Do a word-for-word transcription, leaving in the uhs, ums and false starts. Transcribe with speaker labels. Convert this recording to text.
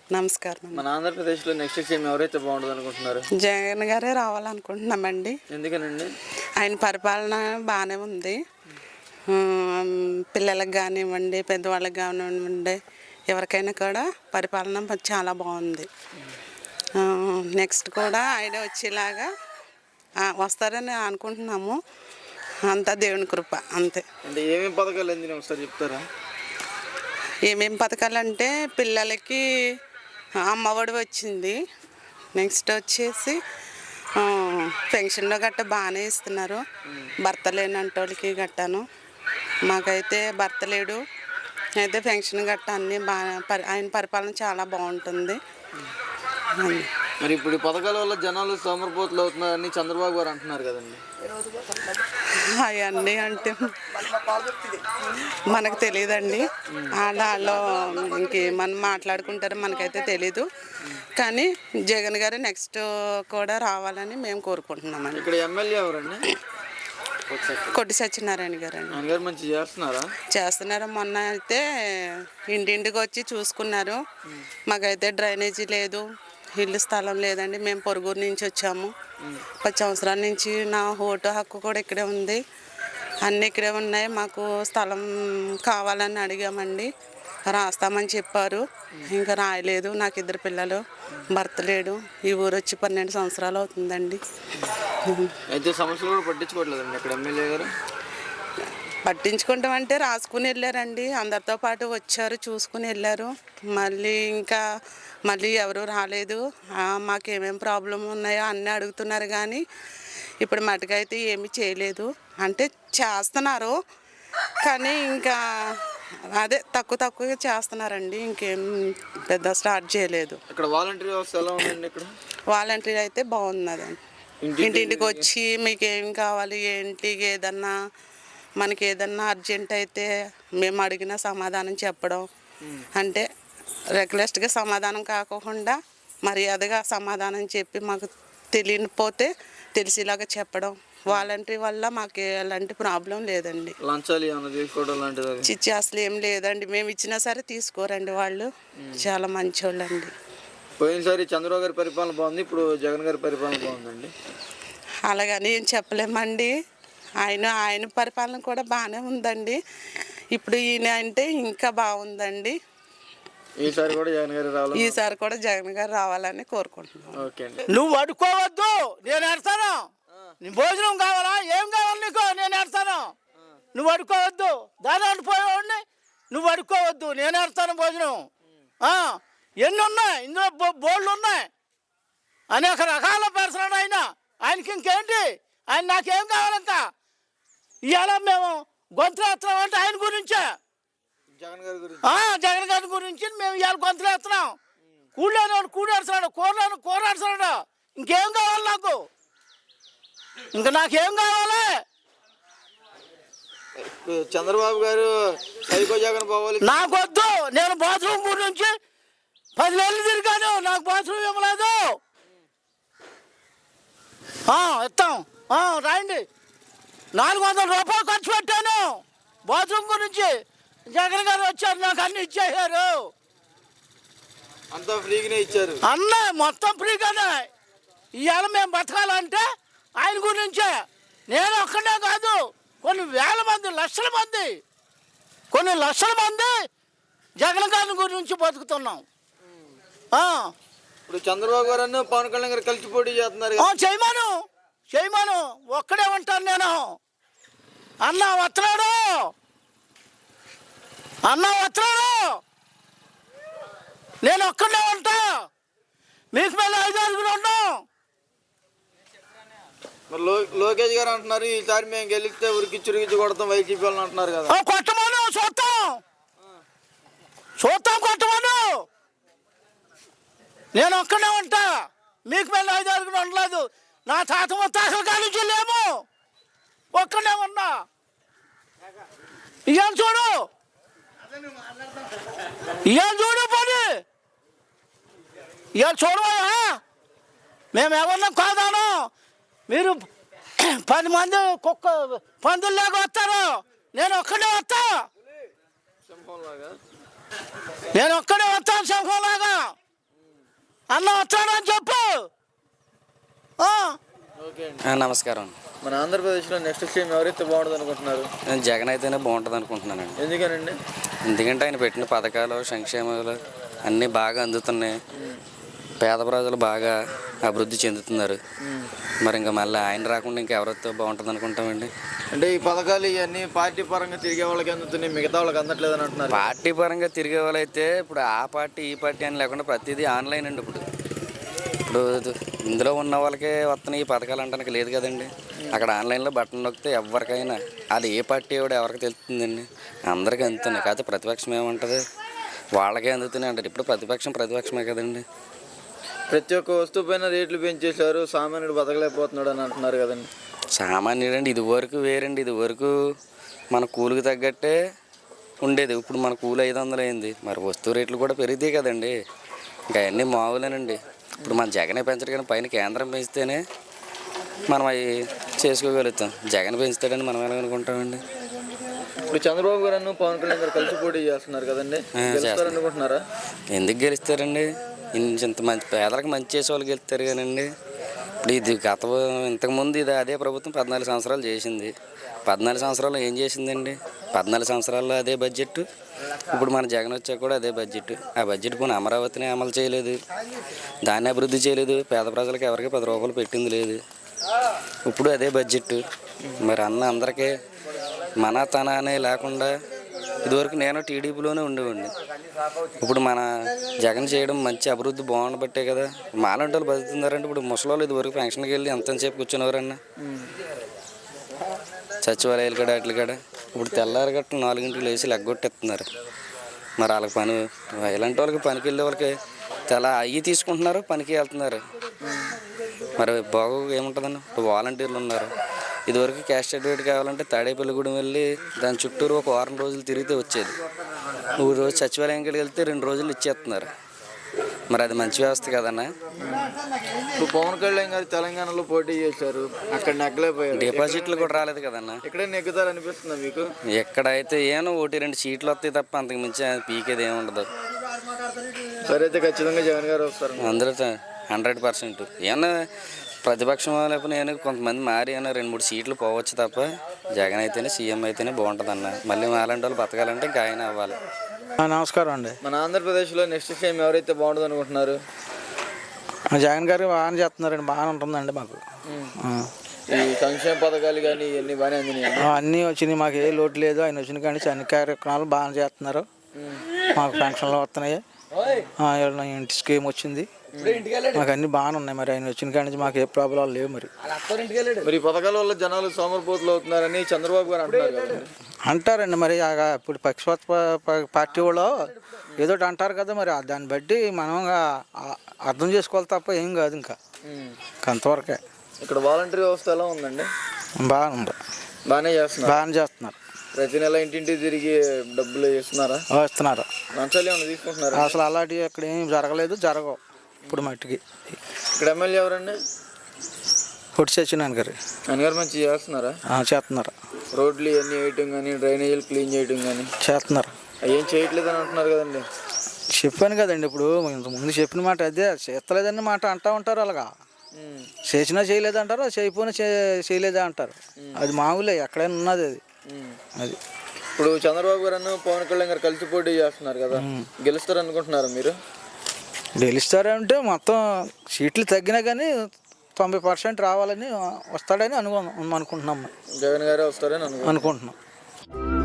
Speaker 1: నమస్కారం.
Speaker 2: మన ఆంధ్రప్రదేశ్లో నెక్స్ట్ సీఎం ఎవరైతే బాగుంటుంది అనుకుంటున్నారు?
Speaker 1: జగన్ గారే రావాలనుకుంటున్నామండి.
Speaker 2: ఎందుకనండి?
Speaker 1: ఆయన పరిపాలన బాగానే ఉంది. పిల్లలకు కానివ్వండి, పెద్దవాళ్ళకి కానివ్వండి, ఎవరికైనా కూడా పరిపాలన చాలా బాగుంది. నెక్స్ట్ కూడా ఆయన వచ్చేలాగా వస్తారని అనుకుంటున్నాము. అంతా దేవుని కృప అంతే.
Speaker 2: అంటే ఏమేమి పథకాలు అందినా ఒకసారి చెప్తారా?
Speaker 1: ఏమేమి పథకాలు అంటే పిల్లలకి అమ్మఒడి వచ్చింది. నెక్స్ట్ వచ్చేసి పెన్షన్లో గట్ట బాగానే ఇస్తున్నారు. భర్త లేనంటోళ్ళకి గట్టాను. మాకైతే భర్త లేడు, అయితే పెన్షన్ గట్ట అన్నీ బాగా ఆయన పరిపాలన చాలా బాగుంటుంది.
Speaker 2: మరి ఇప్పుడు ఈ పథకాల వల్ల జనాలు సోమరిపోతులు అవుతున్నారని చంద్రబాబు గారు అంటున్నారు కదండి.
Speaker 1: అవన్నీ అంటే మనకు తెలియదండి. వాళ్ళు ఇంకేమన్నా మాట్లాడుకుంటారో మనకైతే తెలీదు. కానీ జగన్ గారు నెక్స్ట్ కూడా రావాలని మేము కోరుకుంటున్నామండి.
Speaker 2: ఇక్కడ ఎమ్మెల్యే ఎవరండి?
Speaker 1: కొట్టి సత్యనారాయణ గారు అండి.
Speaker 2: మంచి చేస్తున్నారా?
Speaker 1: చేస్తున్నారు. మొన్న అయితే ఇంటింటికి వచ్చి చూసుకున్నారు. మాకైతే డ్రైనేజీ లేదు, ఇల్లు స్థలం లేదండి. మేము పొరుగురు నుంచి వచ్చాము. పది సంవత్సరాల నుంచి నా ఓటు హక్కు కూడా ఇక్కడే ఉంది. అన్నీ ఇక్కడే ఉన్నాయి. మాకు స్థలం కావాలని అడిగామండి. రాస్తామని చెప్పారు. ఇంకా రాయలేదు. నాకు ఇద్దరు పిల్లలు, భర్త లేడు. ఈ ఊరు వచ్చి పన్నెండు సంవత్సరాలు అవుతుందండి.
Speaker 2: అయితే సమస్యలు కూడా పట్టించుకోవట్లేదండి ఇక్కడ ఎమ్మెల్యే గారు?
Speaker 1: పట్టించుకుంటాం అంటే రాసుకుని వెళ్ళారండి. అందరితో పాటు వచ్చారు, చూసుకుని వెళ్ళారు. మళ్ళీ ఇంకా మళ్ళీ ఎవరు రాలేదు. మాకేమేమి ప్రాబ్లం ఉన్నాయో అన్నీ అడుగుతున్నారు. కానీ ఇప్పుడు మటుకైతే ఏమీ చేయలేదు. అంటే చేస్తున్నారు కానీ ఇంకా అదే తక్కువ తక్కువగా చేస్తున్నారండి. ఇంకేం పెద్ద స్టార్ట్ చేయలేదు.
Speaker 2: ఇక్కడ వాలంటీర్ వ్యవస్థ ఎలా ఉందండి? ఇక్కడ
Speaker 1: వాలంటీర్ అయితే బాగున్నదండి. ఇంటింటికి వచ్చి మీకు ఏం కావాలి, ఏంటి, ఏదన్నా మనకి ఏదన్నా అర్జెంట్ అయితే మేము అడిగిన సమాధానం చెప్పడం. అంటే రెగ్యులర్గా సమాధానం కాకుండా మర్యాదగా సమాధానం చెప్పి మాకు తెలియకపోతే తెలిసేలాగా చెప్పడం. వాలంటరీ వల్ల మాకు ఎలాంటి ప్రాబ్లం లేదండి. చిచ్చి అసలు ఏం లేదండి. మేము ఇచ్చినా సరే తీసుకోరండి. వాళ్ళు చాలా మంచోళ్ళండి.
Speaker 2: పోయినసారి చంద్రబాబు గారి పరిపాలన బాగుంది, ఇప్పుడు జగన్ గారి పరిపాలన బాగుందండి.
Speaker 1: అలాగని ఏం చెప్పలేమండి. ఆయన ఆయన పరిపాలన కూడా బాగానే ఉందండి. ఇప్పుడు ఈయన అంటే ఇంకా బాగుందండి.
Speaker 2: ఈసారి కూడా జగన్ గారు రావాలి.
Speaker 1: ఈసారి కూడా జగన్ గారు రావాలని కోరుకుంటున్నాను.
Speaker 2: ఓకే అండి.
Speaker 3: నువ్వు అడుకోవద్దు, నేను ఎడతాను. నీ భోజనం కావాలా, ఏం కావాలి నీకు, నేను ఎడతాను. నువ్వు అడుకోవద్దు. దాని అడిపోయేవాడిని నువ్వు అడుకోవద్దు, నేను ఎడతాను భోజనం. ఎన్ని ఉన్నాయి ఇందులో, బోర్డులు ఉన్నాయి. అనేక రకాల పర్సనాడు ఆయన. ఆయనకి ఇంకేంటి, ఆయన నాకేం కావాలంతా. ఇవాళ మేము గొంతులు ఎత్తున్నాం అంటే ఆయన గురించే,
Speaker 2: జగన్ గారి గురించి
Speaker 3: జగన్ గారి గురించి మేము ఇవాళ గొంతులు ఎత్తున్నాం. కూడలేనివాడు కూడాడుతున్నాడు, కూరలేని కూరాడుతున్నాడు. ఇంకేం కావాలి నాకు, ఇంకా నాకేం కావాలి?
Speaker 2: చంద్రబాబు గారు సైకో జగన్ పోవాలి.
Speaker 3: నాకొద్దు. నేను బాత్రూమ్ గురించి పది నెలలు తిరిగాను, నాకు బాత్రూమ్ ఇవ్వలేదు. ఇస్తాం రాయండి. నాలుగు వందల రూపాయలు ఖర్చు పెట్టాను బాత్రూమ్ గురించి. జగన్ గారు వచ్చారు, నాకు అన్ని ఇచ్చేసారు.
Speaker 2: అంతా ఫ్రీగానే ఇచ్చారు.
Speaker 3: అన్న మొత్తం ఫ్రీగానే. ఇవాళ మేము బతకాలంటే ఆయన గురించే. నేను ఒక్కడే కాదు, కొన్ని వేల మంది, లక్షల మంది, కొన్ని లక్షల మంది జగన్ గారి గురించి బతుకుతున్నాం.
Speaker 2: ఇప్పుడు చంద్రబాబు గారు పవన్ కళ్యాణ్ గారు కలిసి పోటీ చేస్తున్నారు.
Speaker 3: చేయమను చేయమను ఒక్కడే ఉంటాను నేను. అన్న వస్తున్నాడు, అన్న వస్తున్నాడు, నేను ఒక్కడే ఉంటా. మీకు మళ్ళీ ఐదు ఆరుగురు ఉన్నాం.
Speaker 2: మరి లోకేష్ గారు అంటున్నారు ఈసారి మేము గెలిస్తే ఉరికి చురికిచ్చి కొడతాం వైసీపీ వాళ్ళని అంటున్నారు కదా.
Speaker 3: కొట్టమను, చూస్తాం చూస్తాం కొట్టమను. నేను ఒక్కడే ఉంటా. మీకు మళ్ళీ ఐదు ఆరుగురు ఉండలేదు. నా తాత ముత్తాతల కానించి లేము, ఒక్కడే ఉన్నా. ఇవాళ చూడు, ఇవాళ చూడు పని, ఇవాళ చూడవా. మేము ఎవరిని కాదాను. మీరు పది మంది కుక్క పందులు లేక వస్తారు, నేను ఒక్కడే వస్తా. నేను ఒక్కడే వస్తాను సింహంలాగా. అన్న వచ్చాడని చెప్పు. ఆ.
Speaker 2: ఓకే అండి.
Speaker 4: ఆ, నమస్కారం.
Speaker 2: మన ఆంధ్రప్రదేశ్లో నెక్స్ట్ సీఎం ఎవరైతే బాగుంటుంది అనుకుంటున్నారు?
Speaker 4: నేను జగన్ అయితేనే బాగుంటుంది అనుకుంటున్నానండి.
Speaker 2: ఎందుకనండి?
Speaker 4: ఎందుకంటే ఆయన పెట్టిన పథకాలు సంక్షేమాలు అన్నీ బాగా అందుతున్నాయి. పేద ప్రజలు బాగా అభివృద్ధి చెందుతున్నారు. మరి ఇంకా మళ్ళీ ఆయన రాకుండా ఇంకా ఎవరితో బాగుంటుంది అనుకుంటామండి.
Speaker 2: అంటే ఈ పథకాలు ఇవన్నీ పార్టీ పరంగా తిరిగే వాళ్ళకి అందుతున్నాయి, మిగతా వాళ్ళకి అందట్లేదు అని అంటున్నారు.
Speaker 4: పార్టీ పరంగా తిరిగే వాళ్ళైతే ఇప్పుడు ఆ పార్టీ ఈ పార్టీ అని లేకుండా ప్రతిదీ ఆన్లైన్ అండి. ఇప్పుడు ఇప్పుడు ఇందులో ఉన్న వాళ్ళకే వస్తున్నాయి ఈ పథకాలు అంటానికి లేదు కదండి. అక్కడ ఆన్లైన్లో బటన్ నొక్కితే ఎవరికైనా అది ఏ పార్టీ కూడా ఎవరికి తెలుస్తుందండి. అందరికీ అందుతున్నాయి. కాకపోతే ప్రతిపక్షం ఏముంటుంది, వాళ్ళకే అందుతున్నాయి అంటారు. ఇప్పుడు ప్రతిపక్షం ప్రతిపక్షమే కదండి.
Speaker 2: ప్రతి ఒక్క వస్తువు పైన రేట్లు పెంచేశారు, సామాన్యుడు బతకలేకపోతున్నాడు అని అంటున్నారు కదండి.
Speaker 4: సామాన్యుడు అండి ఇది వరకు వేరండి. ఇది వరకు మన కూలికి తగ్గట్టే ఉండేది. ఇప్పుడు మన కూలి ఐదు వందలు అయింది. మరి వస్తువు రేట్లు కూడా పెరిగితే కదండి. ఇంకా అవన్నీ మామూలేనండి. ఇప్పుడు మన జగనే పెంచడు కానీ పైన కేంద్రం పెంచితేనే మనం అవి చేసుకోగలుగుతాం. జగన్ పెంచుతాడని మనం ఎలా అనుకుంటామండి.
Speaker 2: ఇప్పుడు చంద్రబాబు గారు పవన్ కళ్యాణ్ గారు కలిసి పోటీ చేస్తున్నారు కదండి, అనుకుంటున్నారా?
Speaker 4: ఎందుకు గెలుస్తారండి? ఇంత మంచి పేదలకు మంచి చేసే వాళ్ళు గెలుస్తారు కానండి. ఇప్పుడు ఇది గత ఇంతకుముందు ఇది అదే ప్రభుత్వం పద్నాలుగు సంవత్సరాలు చేసింది. పద్నాలుగు సంవత్సరాలు ఏం చేసిందండి? పద్నాలుగు సంవత్సరాల్లో అదే బడ్జెట్. ఇప్పుడు మన జగన్ వచ్చాక కూడా అదే బడ్జెట్. ఆ బడ్జెట్ పోనీ అమరావతిని అమలు చేయలేదు, దాన్ని అభివృద్ధి చేయలేదు, పేద ప్రజలకు ఎవరికి పది రూపాయలు పెట్టింది లేదు. ఇప్పుడు అదే బడ్జెట్. మరి అన్న అందరికీ మన తన అనే లేకుండా ఇదివరకు నేను టీడీపీలోనే ఉండేవాడిని. ఇప్పుడు మన జగన్ చేయడం మంచి అభివృద్ధి బాగుండబట్టే కదా మాలాంటి వాళ్ళు బతుకుతున్నారంటే. ఇప్పుడు ముసలి ఇదివరకు పెన్షన్కి వెళ్ళి ఎంతసేపు కూర్చునేవారన్నా సచివాలయాలు కాడ వాటి కాడ. ఇప్పుడు తెల్లారి గట్ట నాలుగింటికి లేచి లెగ్గొట్టేస్తున్నారు. మరి వాళ్ళకి పని ఇలాంటి వాళ్ళకి పనికి వెళ్ళే వాళ్ళకి తెల్ల అయ్యి తీసుకుంటున్నారు, పనికి వెళ్తున్నారు. మరి బాగు ఏముంటుందండి? ఇప్పుడు వాలంటీర్లు ఉన్నారు. ఇదివరకు క్యాస్ట్ సర్టిఫికేట్ కావాలంటే తాడేపల్లిగూడెం వెళ్ళి దాని చుట్టూరు ఒక వారం రోజులు తిరిగితే వచ్చేది. మూడు రోజు సచివాలయంకి వెళ్తే రెండు రోజులు ఇచ్చేస్తున్నారు. మరి అది మంచి వ్యవస్థ కదన్నా.
Speaker 2: ఇప్పుడు పవన్ కళ్యాణ్ గారు తెలంగాణలో పోటీ చేశారు, అక్కడ నెగ్గలేకపోయారు.
Speaker 4: డిపాజిట్లు కూడా రాలేదు కదన్నా.
Speaker 2: ఇక్కడే నెగ్గుతారు అనిపిస్తుందా మీకు?
Speaker 4: ఎక్కడైతే ఏమో ఒకటి రెండు సీట్లు వస్తాయి తప్ప అంతకు మించి పీకేది ఏమి ఉండదు.
Speaker 2: సరే అయితే ఖచ్చితంగా జగన్ గారు వస్తారు
Speaker 4: అందరూ హండ్రెడ్ పర్సెంట్. ఏమన్నా ప్రతిపక్షం లేకపోతే నేను కొంతమంది మారి అయినా రెండు మూడు సీట్లు పోవచ్చు తప్ప జగన్ అయితేనే సీఎం అయితేనే బాగుంటుంది అన్న. మళ్ళీ మాలాంటి వాళ్ళు బతకాలంటే ఇంకా ఆయన అవ్వాలి.
Speaker 3: నమస్కారం అండి.
Speaker 2: మన ఆంధ్రప్రదేశ్లో నెక్స్ట్ సీఎం ఎవరైతే బాగుంటుంది అనుకుంటున్నారు?
Speaker 3: జగన్ గారు బాగానే చేస్తున్నారండి, బాగానే ఉంటుందండి మాకు.
Speaker 2: ఈ సంక్షేమ పథకాలు కానీ ఇవన్నీ బాగానే అందినాయి,
Speaker 3: అన్నీ వచ్చినాయి. మాకు ఏ లోటు లేదు. ఆయన వచ్చిన కానీ అన్ని కార్యక్రమాలు బాగానే చేస్తున్నారు. మాకు పెన్షన్లు వస్తున్నాయి, ఇంటి స్కీమ్ వచ్చింది, మాకు అన్ని బాగానే ఉన్నాయి. మరి ఆయన వచ్చిన కాడి నుంచి మాకు ఏ ప్రాబ్లం లేవు. మరి
Speaker 2: మరి ఈ పథకాల వల్ల జనాలు సోమరిపోతులు అవుతున్నారని చంద్రబాబు గారు అంటున్నారు.
Speaker 3: అంటారండి మరి ఇప్పుడు పక్షపాత పార్టీ వాళ్ళు ఏదో అంటారు కదా. మరి దాన్ని బట్టి మనం అర్థం చేసుకోవాలి తప్ప ఏం కాదు. ఇంకా అంతవరకే.
Speaker 2: ఇక్కడ వాలంటీర్ వ్యవస్థ ఎలా ఉందండి?
Speaker 3: బాగుంది,
Speaker 2: బాగానే చేస్తున్నారు.
Speaker 3: బాగానే చేస్తున్నారు.
Speaker 2: ప్రతి నెల ఇంటింటికి తిరిగి డబ్బులు ఇస్తున్నారా?
Speaker 3: ఇస్తున్నారు.
Speaker 2: లంచాలు ఏమైనా తీసుకుంటున్నారు?
Speaker 3: అసలు అలాంటివి ఇక్కడ ఏం జరగలేదు, జరగవు ఇప్పుడు మట్టికి.
Speaker 2: ఇక్కడ ఎమ్మెల్యే ఎవరండి?
Speaker 3: పొట్టి సత్యనారాయణ గారు.
Speaker 2: ఆయన గారు మంచి చేస్తున్నారా?
Speaker 3: చేస్తున్నారు.
Speaker 2: రోడ్లు ఇవన్నీ వేయటం కానీ, డ్రైనేజీలు క్లీన్ చేయటం కానీ
Speaker 3: చేస్తున్నారు.
Speaker 2: ఏం చేయట్లేదు అని అంటున్నారు కదండి.
Speaker 3: చెప్పాను కదండి, ఇప్పుడు ఇంతకుముందు చెప్పిన మాట అదే. చేస్తలేదని మాట అంటూ ఉంటారు. అలాగా చేసినా చేయలేదు అంటారు, చేయకపోయినా చేయలేదా అంటారు. అది మామూలే, ఎక్కడైనా ఉన్నది అది. అది
Speaker 2: ఇప్పుడు చంద్రబాబు గారు పవన్ కళ్యాణ్ గారు కలిసి పోటీ చేస్తున్నారు కదా, గెలుస్తారు అనుకుంటున్నారు మీరు?
Speaker 3: గెలుస్తారంటే మొత్తం సీట్లు తగ్గినా కానీ తొంభై పర్సెంట్ రావాలని వస్తాడని అను అనుకుంటున్నాం.
Speaker 2: జగన్ గారే వస్తారని
Speaker 3: అనుకుంటున్నాం.